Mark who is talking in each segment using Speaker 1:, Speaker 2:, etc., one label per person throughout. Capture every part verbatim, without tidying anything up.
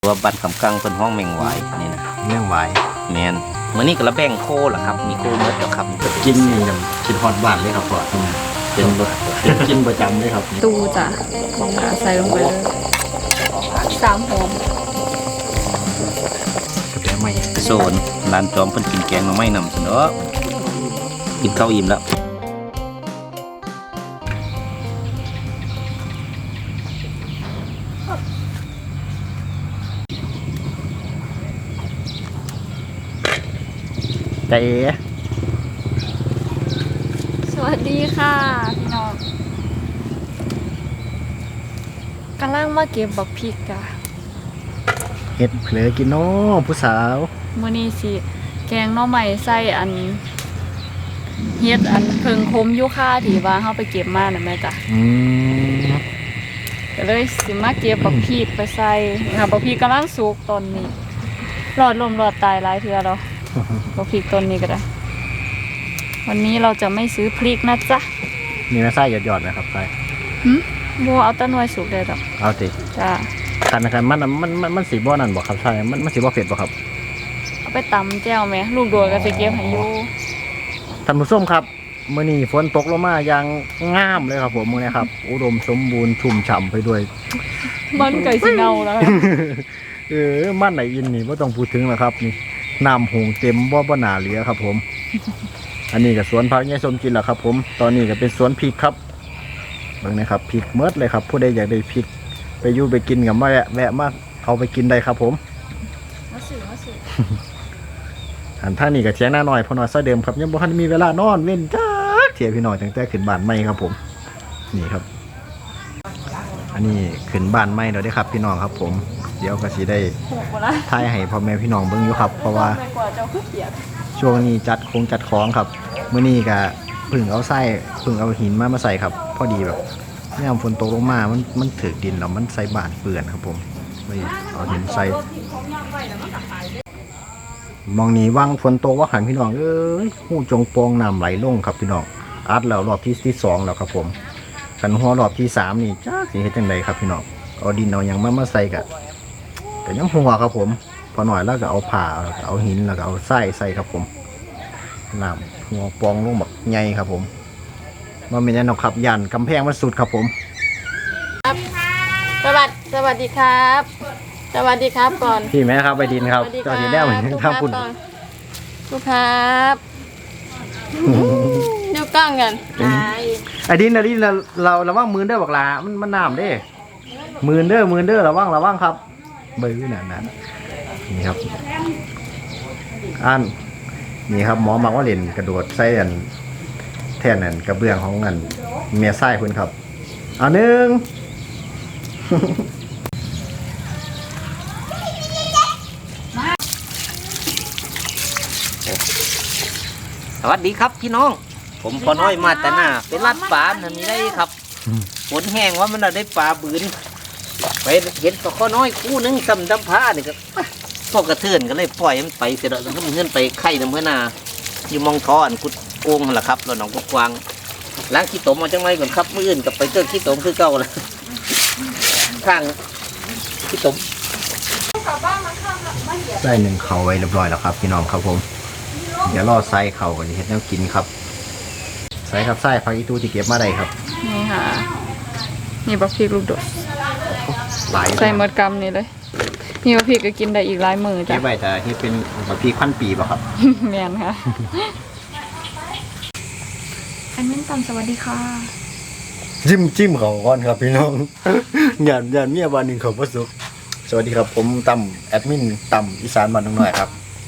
Speaker 1: ตัวบันคำกังเป็นห้องแมงไหวนี่นะ
Speaker 2: เมี่ยงไหว
Speaker 1: แมนเมื่อนี้ก็ระแบ่งโคเหรอครับมีโคเมื่อเดียวครับ
Speaker 2: กินอย่างกินฮอตบ้านเลยครับพ่อทำไมเป็นรสเป็นกินประจำเลยครับ
Speaker 3: ตูจ้ะใส่ลงไปเลยสามหอม
Speaker 2: กาแฟใหม่
Speaker 1: โซนร้านจอมเพิ่นกินแกงหน่อไม้นำเสนอกินข้าวอิ่มแล้ว
Speaker 2: ใจเอ๋
Speaker 3: สวัสดีค่ะพี่น้องกำลังมาเก็บบักพริกจ้ะ
Speaker 2: เห็ดเผลอกินเนาะผู้สาว
Speaker 3: มื้อนี้สิแกงหน่อไม้ใส่อันเฮ็ดอันเพิงคมอยู่ค่าที่ว่าเฮาไปเก็บมาน่ะแม่จ้ะ
Speaker 2: อืม
Speaker 3: ก็เลยสิมาเก็บบักพริกไปใส่นี่ค่ะบักพริกกำลังสุกตอนนี้รอดลมรอดตายหลายเทื่อแล้วบักพริกต้นนี้ก็ได้วันนี้เราจะไม่ซื้อพริกนะจ๊ะ
Speaker 2: มีแม่ไส้หยอดๆไหมครับไส้
Speaker 3: หึบ่เอาแต้นวยสุกได้ดอก
Speaker 2: เอาติ
Speaker 3: จ้ะ
Speaker 2: คันคันมันมันมันมันสีบ่อนั่นบอกครับไส้มันมันสีบ่อเผ็ดบอกครับ
Speaker 3: เอาไปตำแจ่วแม่ลูกโดดก็สิเก็บให้อยู่
Speaker 2: ท่านผู้ชมครับมื้อนี้ฝนตกลงมาอย่างงามเลยครับผมมื้อนี้ครับ อุดมสมบูรณ์ชุ่มฉ่ำไปด้วย
Speaker 3: มันไก่สิเน่าแล้วค่ะ
Speaker 2: เออมันไหนอินนี่บ่ต้องพูดถึงแล้วครับนี่น้ำหงเต็มบ่บ่หนาเหลือครับผม อันนี้ก็สวนผักยายสมกินแหละครับผมตอนนี้ก็เป็นสวนพริกครับเบิ่งนะครับพริกเมิดเลยครับผู้ใดอยากได้พริกไปอยู่ไปกินกับมาแวะแวะมาเอาไปกินได้ครับผม
Speaker 3: มาสื่อมาสื่อ
Speaker 2: อันท่านี่ก็เทียงหน้าหน่อยพอหน่อยซะเดิมครับยังบ่ทันมีเวลานอนเว้นจ้าเทียพี่น้อยตั้งแต่ขึ้นบ้านใหม่ครับผมนี่ครับ อันนี้ขึ้นบ้านใหม่แล้วเด้อครับ พี่น้องครับผมเดี๋ยวก็สิได้
Speaker 3: ถูกบ่ล่ะ
Speaker 2: ถ่ายให้พ่อแม่พี่น้องเบิ่งอยู่ครับเพราะว่า
Speaker 3: ไปกว่าเจ้าคือเปียก
Speaker 2: ช่วงนี้จัดคงจัดของครับเมื่อนี้ก็เพึ่งเอาไส้เพึ่งเอาหินมามาใส่ครับพอดีแบบเนี่ยฝนตกลงมามันมันถือดินแล้วมันใส่บานเปื่อนครับผมไม่เอาหินใส่มองนี้ว่างฝนตกว่าหันพี่น้องเอ้ยหูจงโปองน้ำไหลลงครับพี่น้องอัดแล้วรอบที่ที่สองแล้วครับผมขันหัวรอบที่สามนี่จ้าสิเฮ็ดจังไดครับพี่น้องเอาดินเอาหยังมามาใส่กะก็ยังหัวครับผมพอหน่อยแล้วก็เอาผ่าแล้วก็เอาหินแล้วก็เอาไส้ใส่ครับผมน้ำหัวปองลงแบบใหญ่ครับผมมันเป็นยันนกครับยันกำแพงมันสุดครับผม
Speaker 3: สวัสดีสวัสดีครับ สวัสดีครับก่อน
Speaker 2: พี่แม่ครับไปดินครับเจ้าสีแดงเหมือนทางคุณ
Speaker 3: ลูกครับดูกล้องกันไ
Speaker 2: ไอ้ดินไอ้ดินเราเราระวังมือเด้อบักลามันมันน้ำเด้มือเด้อมือเด้อระวังระวังครับเบอร์นั่นนั่นนี่ครับอันนี่ครับหมอมาว่าเล่นกระโดดใส่อันแทนนั่นกระเบื้องของอันเมียไส้คุณครับเอาหนึ่ง
Speaker 1: สวัสดีครับพี่น้อง ผมพอน้อยมาแต่หน้าเป็นรัดปลาทำนี้ได้ครับฝนแห้งว่ามันได้ปลาบืนไปเห็นก็ข้อน้อยคู่นึงซ้ำดำผ้าเนี่ยก็พอกระเทือนก็เลยปล่อยมันไปเสร็จแล้วก็มันเงื่อนไปไข่น้ำเมื่อนาอยู่มองทออันกุดโกงนั่นแหละครับเราหนองกุดกวางล้างขี้ตมมาจังไรก่อนครับมื่ออื่นกับไปเจอขี้ตมคือเก่าเลยข้างขี้ตม
Speaker 2: ได้หนึ่งเข่าไว้เรียบร้อยแล้วครับพี่น้องครับผมเดี๋ยวรอไส้เข่ากันเห็ดแนวกินครับไส้ครับไส้ผักอีตูที่เก็บมาได้ครับ
Speaker 3: นี่ค่ะนี่บักพริกลูกโดด
Speaker 2: หลาย
Speaker 3: ใส่หมดกำนี่เลยนี่บักพริกก็กินได้อีกหลายมือจ้ะ
Speaker 2: เก็บไว้แต่ที่เป็นผักพีขั้นปีป่ะครับ
Speaker 3: แมนค่ะอันนี้ตำสวัสดีค่ะ
Speaker 2: จิ้มจิ้มเขาก่อนครับพี่น้อง หยาดหยาดเมียวันหนึ่งเขาประสบสวัสดีครับผมตั้มแอดมินตั้มอีสานบ้านน้องหน่อยครับ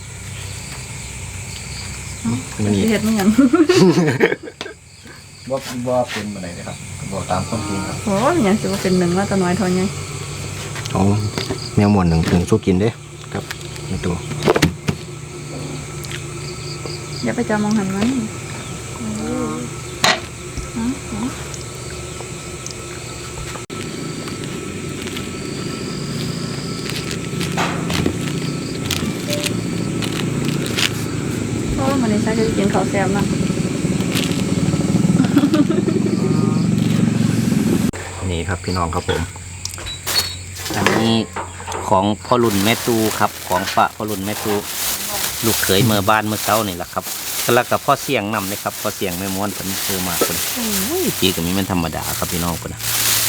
Speaker 2: วันนี้
Speaker 3: เห็ดไม่ยัง
Speaker 2: ว่าว่าเป็นอะไรนะครับบอกตามความจริงครับ
Speaker 3: โอ้ยยังสิว่าเป็นหนึ่งว่าตัวน้อยเทอนยัง
Speaker 2: อ๋อแมวหมวนหนึ่งถึงสู้กินเด้ครับในตัว
Speaker 3: อย่าไปจามองหันมันเพราะว่ามันในไส้จะกินข้าวแซ่บนะ
Speaker 2: นี่ครับพี่น้องครับผม
Speaker 1: อันนี้คของพ่อรุ่นแม่ตูครับของฝากพ่อรุ่นแม่ตูลูกเขยเมื่อบ้านเมื่อเช้านี่แหละครับแล้วกับพ่อเสียงนำเลยครับพ่อเสียงแม่ม้วนเป็นเชื่อมากคนจีกับมีมันธรรมดาครับพี่น้องคนนะ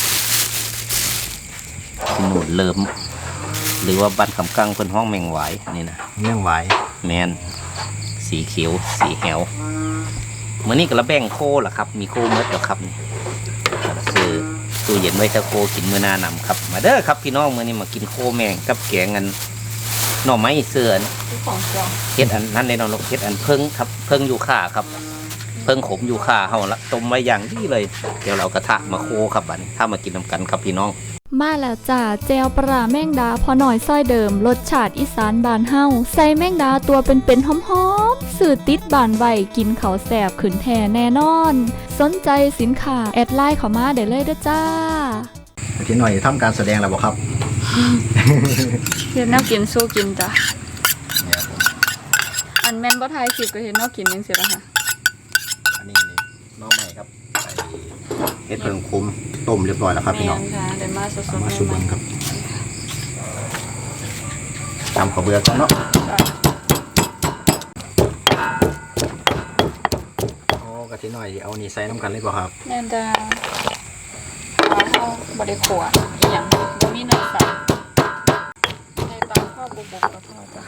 Speaker 1: หนูเริ่มหรือว่าบ้านคำกังเป็นห้องแมงหวายนี่นะ
Speaker 2: เรื่องไหว
Speaker 1: แมนสีเขียวสีแหวเมื่อนี้ก็ระแบ่งโคล่ะครับมีโคเมื่อเดียวครับนี่คือตู้เย็นไว้ถ้าโคกินเมื่อหน้านำครับมาเด้อครับพี่น้องเมื่อนี้มากินโคแมงกับแกงกันหน่อไม้เสื่อน
Speaker 3: ของเจ้า
Speaker 1: เฮ็ดอันนั้นในนรกเฮ็ดอันเพิ่งครับเพิ่งอยู่ข่าครับ เพิ่งขมอยู่ข่าเฮาละต้มไว้อย่างดีเลยเดี๋ยวเรากระทะมาโคครับบัดนี้ถ้ามากินนำกันครับพี่น้อง
Speaker 3: มาแล้วจ้าเจลปลาแมงดาพอหน่อยซ้อยเดิมรสชาติอีสานบานเฮาใส่แมงดาตัวเป็นๆหอมๆสื่อติดบานไวกินเขาแสบขืนแท่แน่นอน สนใจสินค้าแอดไลน์เข้ามาได้เลยเด้อจ้า
Speaker 2: ทีหน่อยทำการแสดงแล้วบ่ครับ
Speaker 3: เห็นแนวกินสู้กินจ้ะ
Speaker 2: เนี่ยผม
Speaker 3: อันแม่นบ่ทายคลิปก็เห็นแนวกินจังซี่ล่ะค่ะ
Speaker 2: อันนี้นี่น้องใหม่ครับใส่เห็ดเพิ่งคุ้มต้มเรียบร้อยแล้วครับพี่น้อง
Speaker 3: แม่ค่ะได้มาส
Speaker 2: เอา
Speaker 3: ดๆ
Speaker 2: มา
Speaker 3: ให
Speaker 2: ชุบ
Speaker 3: ม่
Speaker 2: เบิ้งครับตำข้าวเบื่อกันเนาะ
Speaker 3: ๆจ้ะ
Speaker 2: โอ้กะทิหน่อยเอานี่ใส่น้ำกันเลยบ่ครับ
Speaker 3: แม่นจ้าปลาเฮาบ่ได้ขัวอีหยังบ่มีเนื้อสัตว์ใส่ปลาข้าวบุบๆก็พอจ้ะ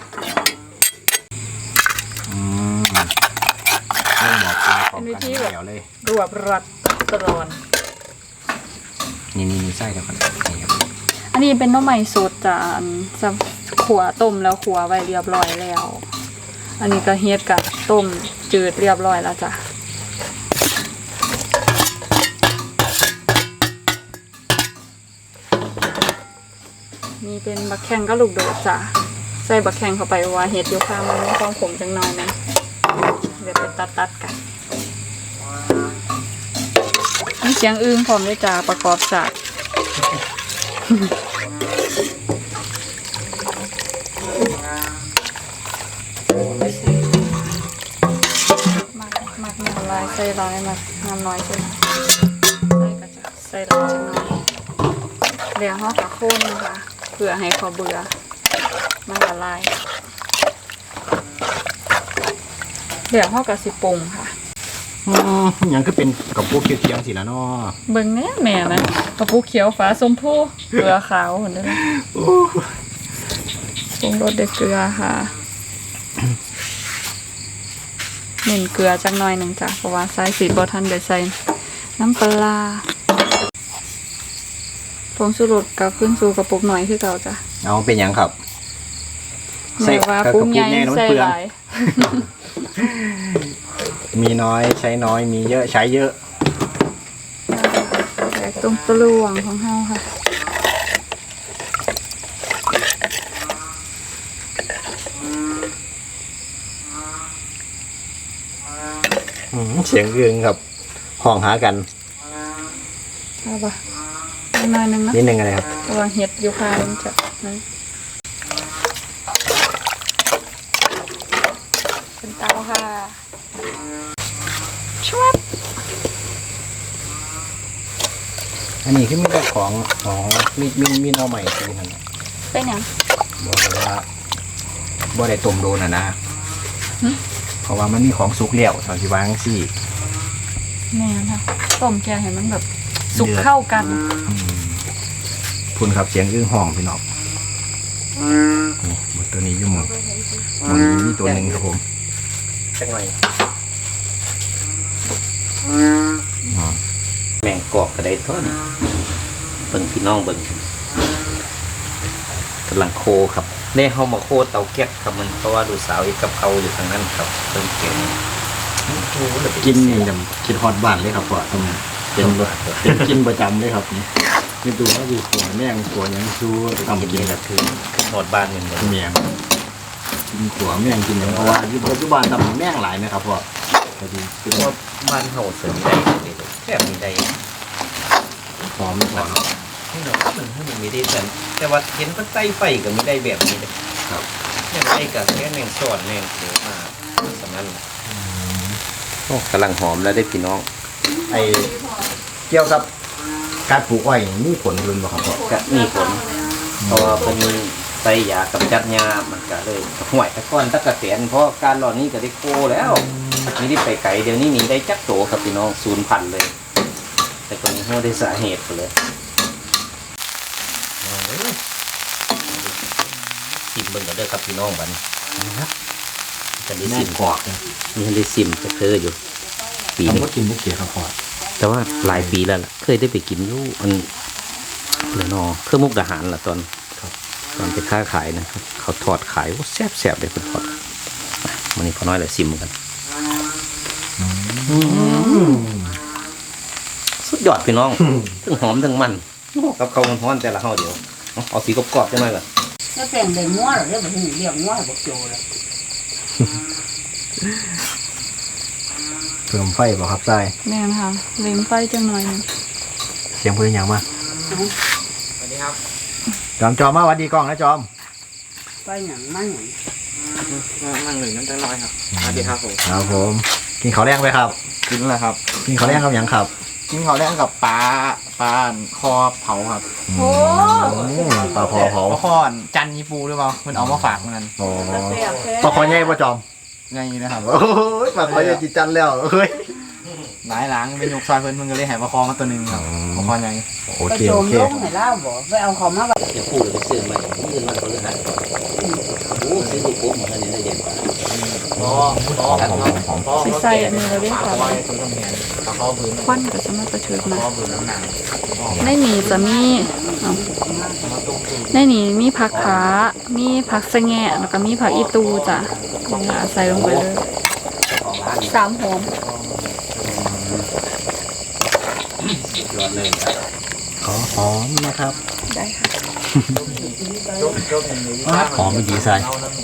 Speaker 2: อืมเรื่องหมอกกินของกันเดี๋ยวเลย
Speaker 3: รวบรัดตรอน
Speaker 2: นี่นี่นี่ใส่แล้วกันนี่ครับ
Speaker 3: อันนี้เป็นหน้ำใหม่สดจ้ะอันจะขัวต้มแล้วขัวไว้เรียบร้อยแล้ว อันนี้ก็เฮ็ดกับต้มจืดเรียบร้อยแล้วจ้ะนี่เป็นบักแข้งก็ลูกโดดจ้ะใส่บักแข้งเข้าไปว่าเฮ็ดอยู่ข้างมันมีความขมจังหน่อยนะเดี๋ยวไปตัดตัดๆกันมีเสียงอึ้งพร้อมด้วยจ้ะประกอบศาสตร์ มักมักน้ำลายใส่ร้อยมักน้ำน้อยใช่ไหมใส่ก็จะใส่ร้อยจังน้อยเดี๋ยวห่อกับโคนนะคะเพื่อให้เขาเบื่อมันละลายเดี๋ยวห่อกับสิปรุงค่ะ
Speaker 2: อืมยังก็เป็นกับพวกเคี้ยวๆสิละเนาะ
Speaker 3: เบิ่งแน่แม่นะกระปุกเขียวฟ้าส้มพูเกลือขาวเห็นไหมปรุงรสด้วยเกลือค่ะเน้นเกลือจักหน่อยหนึ่งจ้ะเพราะว่าใส่สีบอทันเดี๋ยวใส่น้ำปลาผงชูรสกับขึ้นสู่กระปุกหน่อยคือเก่าจ้ะ
Speaker 2: เอาเป็นหยังครับ
Speaker 3: แม่ว่าปรุงใหญ่
Speaker 2: น้ำ
Speaker 3: ใส่
Speaker 2: เปลื
Speaker 3: ห
Speaker 2: อง
Speaker 3: ลาย
Speaker 2: มีน้อยใช้น้อยมีเยอะใช้เยอะ
Speaker 3: แตกตรงปลวงของเฮาค่ะ
Speaker 2: อืมเสียงเอื้องครับห้องหากัน
Speaker 3: เอาปะหน่อยหนึงนะ
Speaker 2: นิดนึงอะไรครับ
Speaker 3: ระวังเห็ดอยู่ค่ะมันจะนั่นเป็นเตาค่ะชวบ
Speaker 2: อันนี้คือมีแต่ของอ๋อมีมีมีหน้อใหม่ที่นั่น
Speaker 3: เป็นหยัง
Speaker 2: บอกเลยว่าบ่ได้ต้มโดนอ่ะนะ
Speaker 3: หึ
Speaker 2: เพราะว่ามันมีของสุกเลี้ยวตอนที่วางสิ
Speaker 3: แม่ค่ะต้มแกงให้มันแบบสุกเข้ากัน
Speaker 2: อืมคุณครับเสียงอื้อห้องพี่น้องนี่หมดตัวนี้อยู่หมดมันมีตัวหนึ่งครับผม
Speaker 1: จังหน่อย
Speaker 2: อ๋อ
Speaker 1: แมงกอกกระไดท่อนเบิ่งพี่น้องเบิ่งกำลังโคครับได้เฮามาโคเตาแก๊สครับมันเพราะว่าดูสาวอีกกับเขาอยู่ทางนั้นครับเพิ่งเก่ง
Speaker 2: กินนี่จำคิดฮอตบ้านเลยครับพ่อทำเป็นเป็นกินประจำเลยครับนี่นี่ดูว่าดูขัวแม่งขัวหยังชูทำ
Speaker 1: กิน
Speaker 2: กิน
Speaker 1: นี่
Speaker 2: แบ
Speaker 1: ก็
Speaker 2: บ
Speaker 1: คือหมดบ้านเหมือนกัน
Speaker 2: เมียงกินขัวแม่งกินหยังเพราะว่าอยู่ปัจจุบันทำแม่งหลายนะครับพ่อพอดีคือ
Speaker 1: เพราะบ้านเฮาเสริมได้เลยแค่มีได้
Speaker 2: หอมไม่พอเนาะ
Speaker 1: นี่เนาะมันให้มันมีได้แต่แต่ว่าเห็นมันใต้ไฟก็มีได้แบบนี้เลย
Speaker 2: ครับ
Speaker 1: แม่งได้กับแค่แมงสอดแมงเขียวมาสำนั้นโอ้กำลังหอมแล้วได้พี่น้อง
Speaker 2: ไอเกี่ยวกับการปลูกอ้อยนี่มีผลรุนบ่ครับพ่อ
Speaker 1: ก็มีผลเพราะว่าเป็นส่ยากำจัดหญ้ามันก็เลยห่วยตะก้อนตะกะเสียนเพราะการหล่อนี้ก็ได้โคแล้วนี่ได้ไปไกลเดี๋ยวนี้มีได้จักโตครับพี่น้องศูนย์พันเลยแต่คนนี้เขาได้สาเหตุไปเลยซิมเบิ่งกันเด้อครับพี่น้องบัดนี้จะได้ซิมกอกนี่ได้ซิมจะเคยอยู่ปี
Speaker 2: ผม
Speaker 1: นี้
Speaker 2: ก็กินได้เกี่ยวกับพอด
Speaker 1: แต่ว่าหลายปีแล้วล่ะเคยได้ไปกินอยู่อันเลยนอเพื่อมุกดาหารล่ะตอนตอนไปค้าขายนะครับเขาทอดขายว่าแซ่บแซ่บเลยคนทอดมันนี่พอน้อยเลยซิมกันสุดยอดพี่น้องทั้งหอมทั้งมันกับเขามันฮ้อนแต่ละห้าเดียวเอาสีกรอบๆจังเลยก่อน
Speaker 4: nó tiền để mua rồi đấy mà hình điểm mua là một triệu rồi
Speaker 2: เพิ่มไฟบ่ครับทราย
Speaker 3: แม่นค่ะเล็มไฟจังหน่อยหนึง
Speaker 2: เสียงเพื่อนยังมา
Speaker 1: สวัสดีครับ
Speaker 2: จอมจอมมาหวัดดีกล้องนะจอม
Speaker 4: quay nhẳng má nhẳng
Speaker 5: นั่งหนึ่งนั่งตั้งร้อยครับสวัสดีครับผม
Speaker 2: ครับผมกินข้าวแรงไปครับ
Speaker 5: กินแล้วครับ
Speaker 2: กินข้าวแรงกับหยังครับ
Speaker 5: กินข้าวแรกกับปลาปลาคอเผาครับ
Speaker 3: โอ้
Speaker 2: อืมปลาคอเผา
Speaker 5: ปลาคอจันยีปูหรือเปล่ามันเอามาฝากเหมือนกัน
Speaker 2: โอ้
Speaker 3: แซ่บแท้
Speaker 2: ปลาคอใหญ่ป่ะจอม
Speaker 5: ไงนะครับ
Speaker 2: โอ้ยปลาคอใหญ่จิตจันแล้วเฮ้ย
Speaker 5: หลายหลังเป็นยกซอยเพิ่นเพิ่นก็เลยใหายปลาคอมาตัวหนึ่งครับ
Speaker 2: อืม
Speaker 5: ปลาคอใหญ่
Speaker 2: โอ
Speaker 4: cái
Speaker 2: เคโอ
Speaker 4: chồm
Speaker 2: เค
Speaker 4: lúc phải lao bỏ với ông không nó vậy
Speaker 1: เดี๋ยวพูดเลยไปซื้อมายื่นมาคนละหันโอ้ซื้อลูกโป่งมาอันนี้ได้เด็ดกว่า
Speaker 5: พอพอ
Speaker 2: หอมหอมหอมหอม
Speaker 3: สิใส่อันนี้เราได้
Speaker 5: ปลา
Speaker 3: ค่ะ
Speaker 5: คอยตัวต้องแหนปลาคอบืน
Speaker 3: ควันก็จะมากระเถิบ
Speaker 5: ปลา
Speaker 3: มา
Speaker 5: คอบืนน้ำหนัก
Speaker 3: ในนี้จะมีเอ้าในนี้มีผักขา มีผักสะแงะแล้วก็มีผักอีตูจ้ะนี่ล่ะใส่ลงไปเลย
Speaker 1: ของร้านนี่
Speaker 3: สามหอม
Speaker 1: สุดยอดเลยครับ
Speaker 2: ขอหอมนะครับ
Speaker 3: ได้ค่ะ
Speaker 2: หอมไม่ดีใส่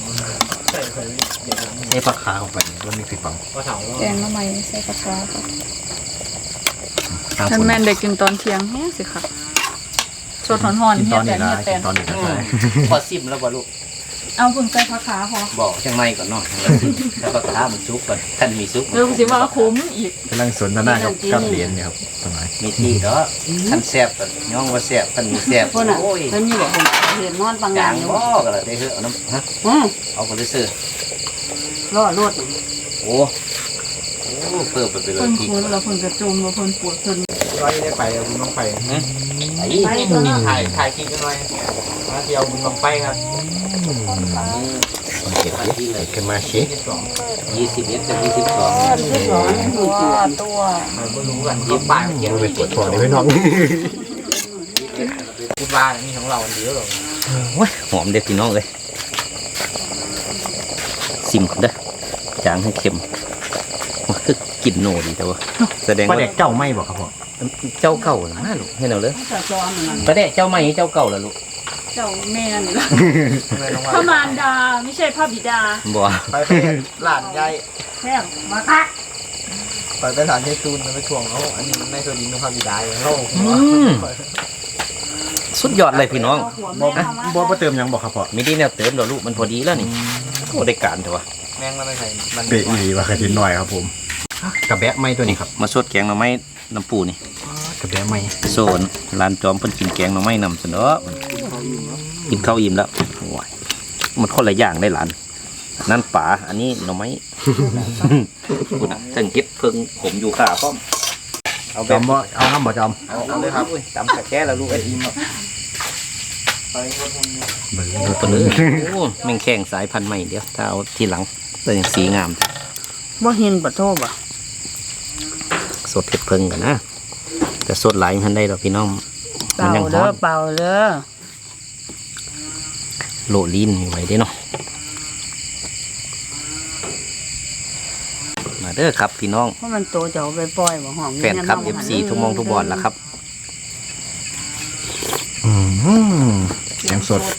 Speaker 2: ให้ปลาคาเข้าไปมันมีผิดบัง
Speaker 3: แกงมะไม้ใส่ผักขาค่ะ
Speaker 2: ทาง
Speaker 3: ท่า
Speaker 2: คน น
Speaker 3: แม่นได้กินตอนเที่ยงแห้งสิค่ะสดหอนๆ
Speaker 2: กิน
Speaker 3: เฮี
Speaker 2: ต
Speaker 3: ย
Speaker 2: อน
Speaker 3: แต
Speaker 2: นี้
Speaker 3: น
Speaker 2: นะ
Speaker 3: เฮียแต
Speaker 2: กิ
Speaker 3: น
Speaker 2: นตอนนี้ก็ได้
Speaker 1: พอซิมแล้วบ่ลูก
Speaker 3: เอาเพิ่งใส่ผักขาพอ
Speaker 1: บอกจังไรก่อนเนาะแล้วก็ท้ามันซุกก่อนท่านมีซุก
Speaker 3: เริ่มสิว่าคุ้มอีก
Speaker 2: กำลังสนทนากับกับเหรียญเนี่ยครับตรงไหน
Speaker 1: มีที่เนาะท่านแซ่บก่อนย่องว่าแซ่บท่านมีแซ่บ
Speaker 4: con ạ
Speaker 1: โอ้ย
Speaker 4: thân như vậy hiện ngon bằng
Speaker 1: จาง
Speaker 4: ngàn
Speaker 1: บ่
Speaker 4: nhiều
Speaker 1: ก็เลยได้เหอะน้ำฮะ
Speaker 4: ừ
Speaker 1: เอาคนซื้อ
Speaker 4: lo luôn
Speaker 1: โอ้โอ้เพิ่มไปเป็น
Speaker 3: เพิ่น
Speaker 1: ที
Speaker 3: คุ้นแล้วเพิ่นกระจุมแล้วเพิ่นปวดเพิ่น
Speaker 5: ร้อยได้ไปเอาบุญลงไป
Speaker 1: ไอ้
Speaker 4: bay cho nó
Speaker 5: ถ่ายถ่ายคลิปกันหน่อยมาเที่ยวบุญลงไปครับ
Speaker 1: มันเก็บไว้ที่เลย
Speaker 2: เกันมาเช็ค
Speaker 5: ที่สอง
Speaker 1: ยี่สิบเอ็ดกับยี่สิบสอง
Speaker 4: biết rõ
Speaker 3: ตัว
Speaker 4: mùi chuột
Speaker 3: ตัว
Speaker 5: เราก็รู้กันยิบป้ายเขียน
Speaker 2: ไป
Speaker 5: ไว้
Speaker 2: ตรวจสอบเลยพี่น้อง
Speaker 5: พูดว่านี่ของเราเยอะหรอ
Speaker 1: โอ้ยหอมเด็ดพี่น้องเลยซิมก่อนเด้อจางให้เค็มมันคือกลิ่นโนดีแต่ว่าแสดง
Speaker 2: ปลา
Speaker 1: ว่า
Speaker 2: เด็กเจ้าไม่บอกครับพ่อ
Speaker 1: เจ้าเก่าน่ะมาลูกให้เราเลย
Speaker 4: nó cho ăn mà
Speaker 1: ประเดะเจ้าใหม่เจ้าเก่าล่ะลูก
Speaker 3: เจ้าแม่นี่ล่ะ
Speaker 5: เลยน้อง
Speaker 3: พระ
Speaker 5: ว่า
Speaker 3: มารดาไม่ใช่พระบิดา
Speaker 1: บ่
Speaker 5: ไปไปหลานยาย
Speaker 4: theo mà khác
Speaker 5: ไปไปหลานยายจูนไปทวงเขาอันนี้มันในตัวดินนพบิดาเลยเขา
Speaker 1: สุดยอดเลยพี่น้อง
Speaker 4: của
Speaker 2: บอก
Speaker 4: mẹ
Speaker 2: บอกว่าเติมหยังบอกครับพ่อ
Speaker 1: มีดีแนวเติมดอกลูกมันพอดีแล้วนี่โอ้ได้การเถอะวะ
Speaker 5: แม่งมันไม่ใช่มัน
Speaker 2: เปะอีหลีว่ากระทินหน่อยครับผมกระแบะไม่ตัวนี้ครับ
Speaker 1: มาสดแกงหน่อไม้น้ำปูนี่
Speaker 2: กระแบะไม่
Speaker 1: โซนร้านจอมเพิ่นกินแกงหน่อไม้นำเสนอกินข้าวอิ่มแล้วโอ้ยมันคนละอย่างได้หลานอันนั่นป่าอันนี้หน่อไม้ คุณน่ะทั้งเฮ็ดเพิ่งผมอยู่ขาพร้อมเอาแบ
Speaker 2: จอบ มบ่เอาน้ำบ่จอม
Speaker 1: เอาเอาเลยครับจำตะแก้แล้วลูกไอ้อิ่มแล้ว
Speaker 5: ไปคนนึง
Speaker 2: เบิ่ง
Speaker 1: ดูตัวเลยโอ้แม่งแข่งสายพันธุ์ใหม่เดียวถ้าเอาทีหลังแต่ยังสีงาม
Speaker 4: bó hiền bật thô bà
Speaker 1: สดเผ็ดเพิ่งกันนะแต่สดหลายทันได้ดอกพี่น้องมันยัง
Speaker 4: bào
Speaker 1: ฮ้อน
Speaker 4: đó bào đó
Speaker 1: โหลลีนมีไว้ได้เนาะมาเด้อครับพี่น้อง
Speaker 4: có mình tổ cháu về bòi mà hỏng
Speaker 1: แฟนคลับ เอฟ ซี ทุกมองทุกบอลละครับ
Speaker 2: อืมเสียงสด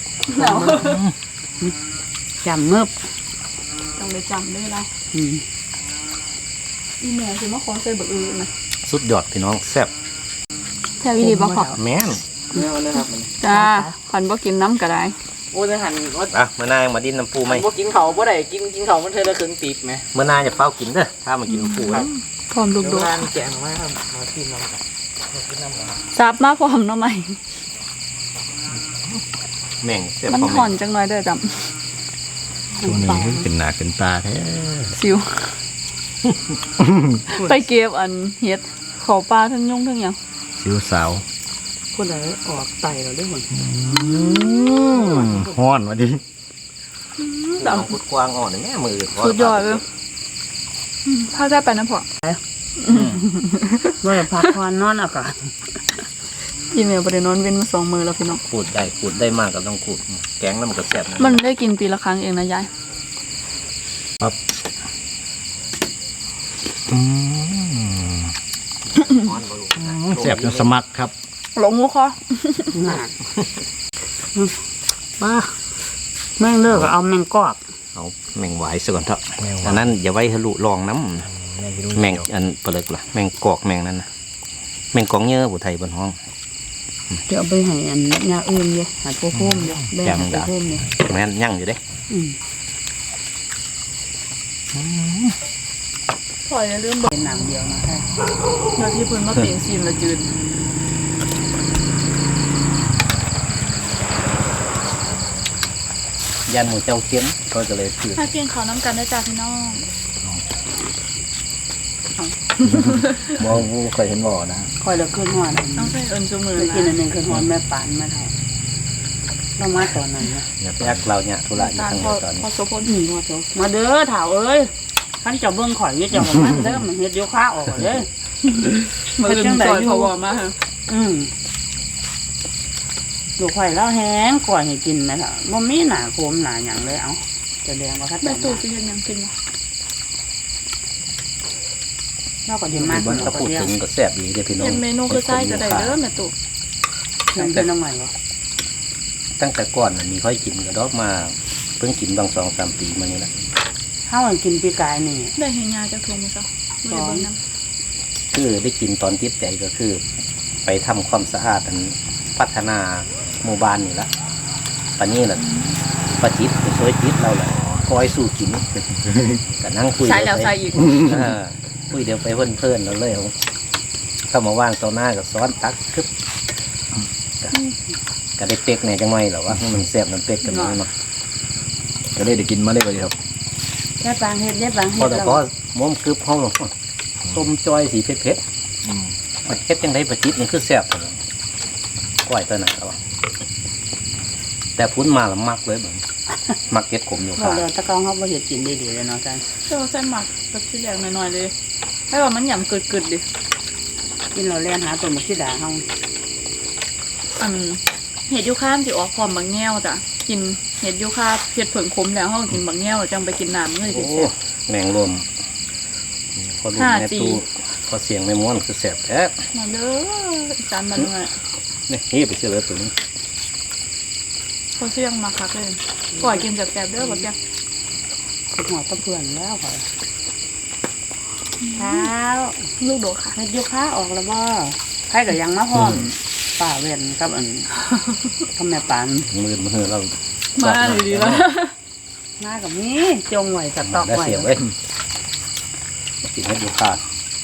Speaker 4: chầm ngớp
Speaker 3: ต้องไปจำด้วยเรา
Speaker 4: ừ.
Speaker 3: อีแม่สิมาขอใส่บักอือนะ
Speaker 1: สุดยอดพี่น้องแซ่บ
Speaker 3: แท้วิธีบ่ขอ
Speaker 1: แม่น
Speaker 5: เนี่ยเลยครับมัน
Speaker 3: จ้าขันบ่กินน้ำก็ได้
Speaker 5: โอ้ยหันว่า
Speaker 1: อ่ะเมื่อนายมาดินน้ำปูไหม
Speaker 5: บ่กินเขาบ่ได้กินกินเขามันเธอละครึ่งตีบไหม
Speaker 1: เมื่อนายจะเฝ้ากินเด้อถ้ามากินน้ำปูนะ
Speaker 3: พร้อม
Speaker 5: เดี๋
Speaker 3: ดุ
Speaker 5: ยว
Speaker 3: ก
Speaker 5: ร้านแกงมาครับมากินน้ำกันมากินน้ำกัน
Speaker 3: ๆซับมาพร้อมเนาะไหม
Speaker 1: แม่งเสียบ
Speaker 3: มัน
Speaker 1: พอ
Speaker 3: ห่อ
Speaker 1: แม่
Speaker 3: นจังหน่อยเด้อจ
Speaker 2: ช่วงนี้เป็นหนาเป็นตาแท้
Speaker 3: ำสิว ไปเก็บอันเฮ็ดขอปลาทั้งยุ่งทั้งหยัง
Speaker 2: สิวสาว
Speaker 4: คนไหนออกไตเราได้หมด
Speaker 2: ฮ้อนมาดิ
Speaker 1: น้องพุดกวางอ่อนนี่แม่มือ
Speaker 3: สุดยอดเลยอืมพาได้ไปนะพ่อ
Speaker 4: เมื่อพักผ่อนนอนอากาศ
Speaker 3: อีเมลบ่ได้นอนเว้นมาสองมื้อแล้วพี่น้อง
Speaker 1: ขูดได้ขูดได้มากก็ต้องขูดแกงแล้วมันก็แซ่บนะ
Speaker 3: มันได้กินปีละครั้งเองนะยาย
Speaker 2: อืม
Speaker 1: ฮ้อนบ่ลูก
Speaker 2: แซ่บจนสมัครครับ
Speaker 3: หลงงูคอ
Speaker 4: หนักป้าแม่งเลิกเอาแมงกอก
Speaker 1: เอาแมงหวายซะก่อนเถอะ
Speaker 2: แมงหวาย
Speaker 1: อันนั้นอย่าไว้ทะลุรองน้
Speaker 2: แม่ง
Speaker 1: ำแมงอันเปลือกล่ะแมงกอกแมงนั้นนะแมงกองเยอะผู้ไทยบนห้อง
Speaker 4: เดี๋ยวเอาไปให้อันยาอื่นเลยหาโป้มเลยแบ่งหาโป้มเลย
Speaker 1: แม่นยั่งอยู่เด้
Speaker 4: อืม
Speaker 3: พ่ออย่าลืมบอก
Speaker 4: เป็นหนังเดียวนะแค่
Speaker 3: เดี๋ยวที่เพิ่นมาเปลี่ยนซีนละจืด
Speaker 1: ยันหมูเจ้าเค็มก็จะเลยคือ
Speaker 3: ถ้าเกี่ยงขาวน้ำกันได้จ้าพี่น้อง
Speaker 1: บ่บ่เคยเห็นบ่อนะ
Speaker 4: คอยเราขึ้นหัวนะ
Speaker 3: ต้องใส่เอิญจูมือ
Speaker 4: ไปกินอันห
Speaker 3: นะ
Speaker 4: นึ่งขึ้นหัวแม่ปานมาเท่าเรามาตอนนั้นนะ
Speaker 1: อย่าไปอักเราเนี่ยธุระอยู่
Speaker 3: ตาล
Speaker 1: ทาง
Speaker 3: พอ
Speaker 1: เดียวตอนนี้
Speaker 3: พอโซพล
Speaker 4: อืมว่าเจ้ามาเด้อถาวเอ้ยขันเจ้าเบิ่งข่อยอยี่เจ้าของมันเด้อมันเฮ็ดโยคะออกเด้อ
Speaker 3: มืออื่นจอยพอวอมาฮะ
Speaker 4: อืมลูกข่อยแล้วแห้งก่อยให้กินไหมล่ะบ่มีหนาโคมหนาหยังเลยเอาจะแดงว่าคัด
Speaker 3: แม่
Speaker 4: แต่
Speaker 3: ตู่สิเฮ็ดหยังกินวะ
Speaker 4: เราก็ดีมาก
Speaker 1: บนกระปุกถึงก็แซ่บดีเด้อพี่น้อง
Speaker 3: เฮ็ดเมนูคือไส้ก็ได้เด้อแม่ตู่
Speaker 4: มันเป็นน้ำใหม่เหรอ
Speaker 1: ตั้งแต่ก่อนน่ะมีค่อยกินก็ดอกมาเพิ่งกินบางสองสามปีมานี่แหละ
Speaker 4: ข้าวมันกินปีกายนี่
Speaker 3: ได้เห็นยาจากถุงมื้อเช้าบ่ได้เบิ่งนำ
Speaker 1: คือได้กินตอนติดใจก็คือ ไปทำความสะอาดอันพัฒนาหมู่บ้านนี่ละปานนี้ล่ะประจิตไปช่วยจิตเราแหละคอยสู้กิน ก็นั่งคุย
Speaker 3: ใส่แล้วใส่อีก
Speaker 1: เออคุยเดี๋ยวไปเพื่อนเพื่อนๆเราเลยเอาเข้ามาว่างต่อหน้ากับซ้อนตักคึบก็ก็ได้เป็กเนี่ยจังไม่หรอว่ามันแซ่บมันเป็กกันนี่เนาะ
Speaker 2: ก็ได้ได้กินมาเลยวันนี้ครับ
Speaker 4: แค่ปางเฮ็ดได้ปาง
Speaker 1: พ
Speaker 4: เฮ็
Speaker 1: อ
Speaker 4: ด
Speaker 1: แต่
Speaker 4: แล้ว
Speaker 1: ก็ม้มกึบห้องหลวงต้มจอยสีเผ็ดเผ็ดเผ็ดจังไดประจิตนี่คือแซ่บเลยก้อยตัวไหนแล้ววะแต่พุ้นมาแล้วมักเลยแบบมักเก็ดขมอยู่
Speaker 4: เรา
Speaker 1: ค่ะ
Speaker 4: เดี๋ยวตะกองเขาบ่เฮ็ดกินได้ดีเลยเนาะจ้ะ
Speaker 3: เจ้าใส่หมักกับที่แรกหน่อยๆเลยให้ว่ามันหยำกึดๆดิ
Speaker 4: กินเราแล่นหาต้นมะขิดาเฮา
Speaker 3: อันเห็ดยูคามสิออกพร้อมบางแง่วจ้ะกินเห็ดยูคาเผ็ดเผิงขมแล้วเฮาก็กินบางแง่วแล้วจังไปกินน้ำเงย
Speaker 1: โอ้
Speaker 3: สิแซ่บ
Speaker 1: แมงรวมพอดู
Speaker 3: ห้า
Speaker 1: แม่
Speaker 3: จี
Speaker 1: ตู้พอเสียงไม่ม้วนคือแซ่บแท้
Speaker 3: มาเด้ออีสานบ้านเมือง
Speaker 1: นี่นี่ไปเชื่อเลยตัวนี้
Speaker 3: เขาเสี่ยงมาคักเลยปล่อยกินแซ่บๆเด้อบ่แซ่บ
Speaker 4: คิดหัวกับเพื่อนแล้วข่อยเช้า
Speaker 3: ลูกโดดค่ะ
Speaker 4: เฮ็ดโยคะออกแล้วบ่ใครก็ยังมาพร้อมป้าเว้นกับอันกับแม่ปาน
Speaker 1: มือมือเรา
Speaker 3: มาดีๆแล้ว
Speaker 4: มากับนี้จงไว้สต๊อก
Speaker 1: ได้
Speaker 4: ไว้
Speaker 1: เสียไว้กินให้ดูขาด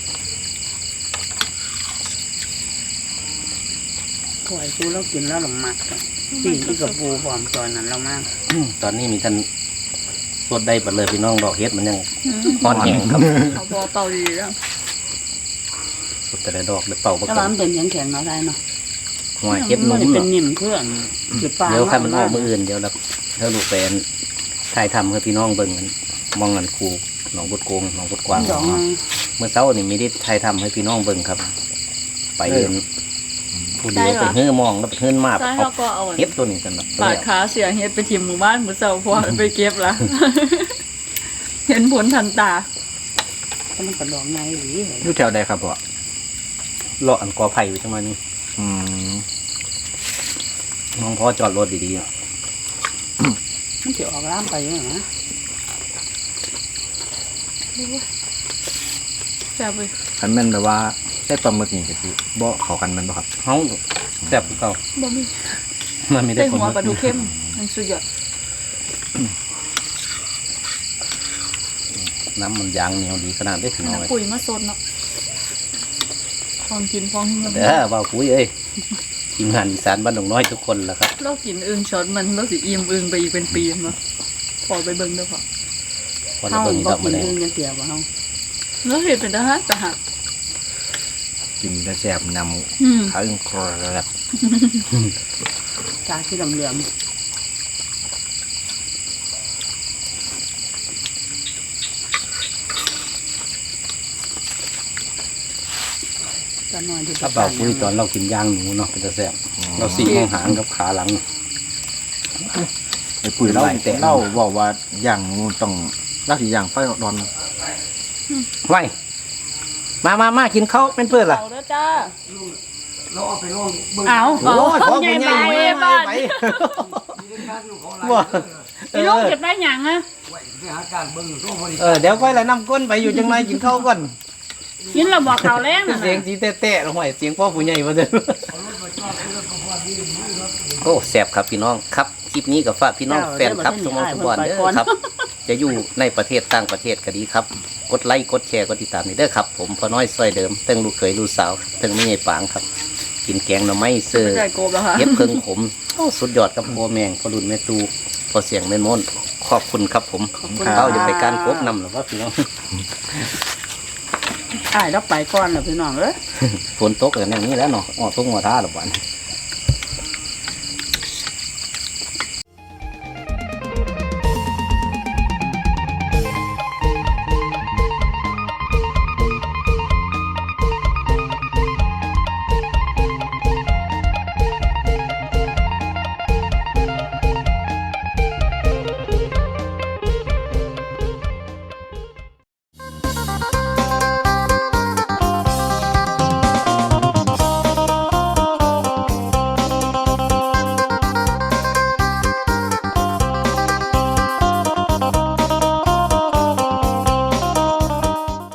Speaker 4: ข่อยซูแล้วกินแล้วหลงมักจ้ะปีอีกกับปูพร้อมตอนนั้นเรามาก
Speaker 1: ตอนนี้มีท่านสดได้ปัดเลยพี่น้องดอกเฮ็ดมันยังอ่อนแห้งครับ
Speaker 3: เขาบอเป่าดีแล้ว
Speaker 1: สดแต่ละดอกเดี๋ยวเป่าประ
Speaker 4: แต่
Speaker 1: ก
Speaker 4: ว่า
Speaker 1: อบ
Speaker 4: มันเป็นแข็งๆเนาะได้เนาะ
Speaker 1: หัวเฮ็ดนุ่ม
Speaker 4: มันเป็น
Speaker 1: เนาะ
Speaker 4: นิ่มเครื่องคือปลา
Speaker 1: เดี๋ยวข้ามันออกมืออื่นเดี๋ยวเราถ้าลูกแฟนถ่ายทำให้พี่น้องเบิ่งกันมองกันครูหนองบุดโกงหนองบุดกวาง
Speaker 4: สอง
Speaker 1: เมื่อเช้านี่มีได้ถ่ายทำให้พี่น้องเบิ่งครับ ไปเดินผู้เดียวไปเฮือมองแล้วไปเฮือนมา
Speaker 3: ใช่
Speaker 1: เอา
Speaker 3: เขาก็เอา
Speaker 1: เฮ็ดตัวนี้สนับ
Speaker 3: ปาดขาเสียเฮ็ดไปทิมหมู่บ้านหมู่เสาพอไปเก็บละ เห็นผลทันตา
Speaker 4: ก็มันกระดองไงหรือ
Speaker 2: อยู่แถวใดครับพ่อ
Speaker 1: เลาะอันกอไผ่ไว้จังมานี่
Speaker 2: อืม
Speaker 1: น้องพ่อจอดรถดีๆเนาะ
Speaker 4: มันจะออกล่ามไปอยู่นะ
Speaker 3: แซ่บเลย
Speaker 2: คันแม่นแบบว่าใช้ปลาหมึกนี่ก็สิบ่เข้ากันแม่นบ่ครับ
Speaker 1: เฮาแซ่บกว่าเก่า
Speaker 3: บ่มี
Speaker 1: มันมีได้
Speaker 3: ได้
Speaker 1: ผ
Speaker 3: หัว
Speaker 1: ล
Speaker 3: ปลาทูเข้มมันสุดยอด
Speaker 1: น้ำมันยางเหนียวดีขนาดได้ถึงเอาไว้
Speaker 3: ปุ๋ยมาสดเนาะฟองกินฟองกิน
Speaker 1: เด้อว่าปุ๋ยเอ้ยทีมงานอีสานบ้านดงน้อยทุกคนแล้วครับ
Speaker 3: เรากินอึ่งช็อตมันเราสิอิ่มอึ่งไปอีกเป็นปีเนาะพอไปเบิ่งเด้อพอ
Speaker 1: พอเรา
Speaker 4: เฮา
Speaker 1: เบิ่งอี
Speaker 4: บ่
Speaker 1: ดอก
Speaker 4: กิ
Speaker 1: มาน แล้ว
Speaker 4: อื่นยังเกี่ยวบ่เฮา
Speaker 3: แล้วเห็นเป็นทหารทหาร
Speaker 2: กินแต่แซ่บน
Speaker 3: อืม
Speaker 2: ำขาอึ้งครบ
Speaker 4: ตาที่เหลื่อมๆตาน้อยที่
Speaker 1: ถ้าเบาคุยตอนเรากินย่างหนูเนาะเป็นจะแซ่บเราสีห้องหางกับขาหลัง
Speaker 2: ไอ้ปุ๋ยเล่า
Speaker 1: หลายแต่
Speaker 2: เล่าบอกว่าอย่างงูต้องลักสิอย่างไฟร้อน
Speaker 1: ไว้มามามากินข้าวเป็นเพื่อนล่ะ
Speaker 3: เอาเด้อจ้า
Speaker 4: เอา
Speaker 1: โอ้ยขอ
Speaker 3: ใหญ่
Speaker 1: คุณ
Speaker 3: ไป
Speaker 1: ใหญ่
Speaker 3: บ้าน
Speaker 1: ไปว่าเอ
Speaker 3: อีลูก
Speaker 1: อ
Speaker 3: เก็บได้หยังอะ
Speaker 1: เออเดี๋ยวค่อยละนำก้นไปอยู่จังไรกินข้าวก่อน
Speaker 3: กินแล้วบอกเขาวแรงน่ะ
Speaker 1: เสียง
Speaker 3: นะ
Speaker 1: จีแต้ๆแล้วห่วยเสียงพ่อผู้ใหญ่มาเดินโอ้แซ่บครับพี่น้องครับคลิปนี้กับฝากพี่น้องแฟนครับทุกคนทุกวันเด้อครับ จะอยู่ในประเทศต่างประเทศก็ดีครับ กดไลค์กดแชร์กดติดตามนี่เด้อครับ ผมพอน้อยซอยเดิมเตั้งลูกเขยลูกสาวเตั้งไม่ใหญ่ปางครับ กินแกงหน่อไม้เสื้อ
Speaker 3: ไม่ใช่โกบแล้วค่ะ
Speaker 1: เย็บเพิงขมโอ้สุดยอดครับพ่อแมงพ่อรุ่นแม่ตูพ่อเสียงแม่นมนขอบคุณครับผมเขาจะไปการกบนำหรือว่าพี่น้อง
Speaker 4: อ้ายเราไปก่อนแล้วพี่น้องเอ้ย
Speaker 1: ฝนตกอย่างนี้แล้วเนาะออกตกหัวท่าหรือวัน
Speaker 2: ๆ